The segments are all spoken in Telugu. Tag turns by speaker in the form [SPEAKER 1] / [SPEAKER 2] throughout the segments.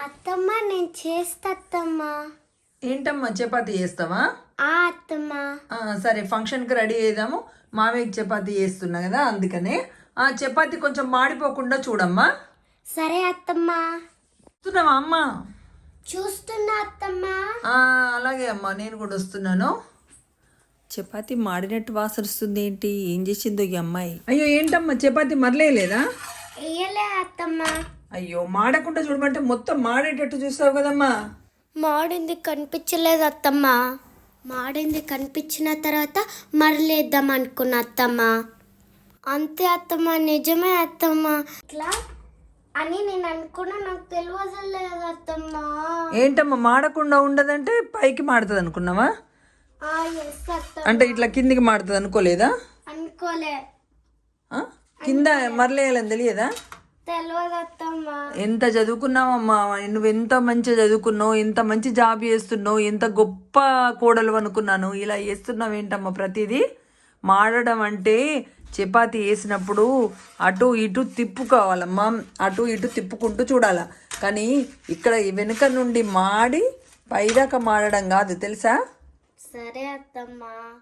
[SPEAKER 1] అత్తమ్మ నేను చేస్తా అత్తమ్మ.
[SPEAKER 2] ఏంటమ్మా చపాతీ చేస్తావా?
[SPEAKER 1] అత్తమ్మ.
[SPEAKER 2] సరే ఫంక్షన్కి రెడీ అయ్యాము. మామయ్యకి చపాతీ చేస్తున్నా కదా అందుకనే. చపాతీ కొంచెం మాడిపోకుండా చూడమ్మా.
[SPEAKER 1] సరే అత్తమ్మ.
[SPEAKER 2] చూస్తున్నావా అమ్మా?
[SPEAKER 1] చూస్తున్నా అత్తమ్మ.
[SPEAKER 2] అలాగే అమ్మా, నేను కూడా వస్తున్నాను. చపాతీ మాడినట్టు వాసన వస్తుంది. ఏంటి, ఏం చేసిందో ఈ అమ్మాయి? అయ్యో ఏంటమ్మా చపాతీ మరలేదా?
[SPEAKER 1] వేయలే అత్తమ్మ.
[SPEAKER 2] అయ్యో మాడకుండా చూడమంటే మొత్తం మాడేటట్టు చూస్తావు కదమ్మా.
[SPEAKER 1] మాడింది కనిపించలేదు అత్తమ్మ. మాడింది కనిపించిన తర్వాత మరలేద్దాం అనుకున్నా అత్తమ్మ. అంతే అత్తమ్మ, నిజమే అత్తమ్మ. ఇట్లా అని నేను అనుకున్నా, నాకు తెలియలేదు అత్తమ్మ.
[SPEAKER 2] ఏంటమ్మా మాడకుండా ఉండదంటే పైకి మాడుతుంది అనుకున్నావా?
[SPEAKER 1] ఎస్ అత్తమ్మ.
[SPEAKER 2] అంటే ఇట్లా కిందికి మాడుతుంది అనుకోలేదా?
[SPEAKER 1] అనుకోలే.
[SPEAKER 2] కింద మరలేయాలని తెలియదా?
[SPEAKER 1] తెలియదు అత్తమ్మ.
[SPEAKER 2] ఎంత చదువుకున్నావమ్మా నువ్వు, ఎంత మంచిగా చదువుకున్నావు, ఎంత మంచి జాబ్ చేస్తున్నావు, ఎంత గొప్ప కోడలు అనుకున్నాను. ఇలా చేస్తున్నావు ఏంటమ్మా ప్రతిదీ? మాడడం అంటే చపాతీ వేసినప్పుడు అటు ఇటు తిప్పుకోవాలమ్మా, అటు ఇటు తిప్పుకుంటూ చూడాల. కానీ ఇక్కడ వెనుక నుండి మాడి పైదాకా మాడడం కాదు, తెలుసా?
[SPEAKER 1] సరే అత్తమ్మ.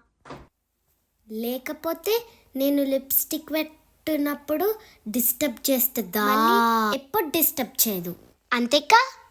[SPEAKER 1] లేకపోతే నేను లిప్స్టిక్ పెట్టినప్పుడు డిస్టర్బ్ చేస్తుందా? ఎప్పుడు డిస్టర్బ్ చేయదు అంతేకా?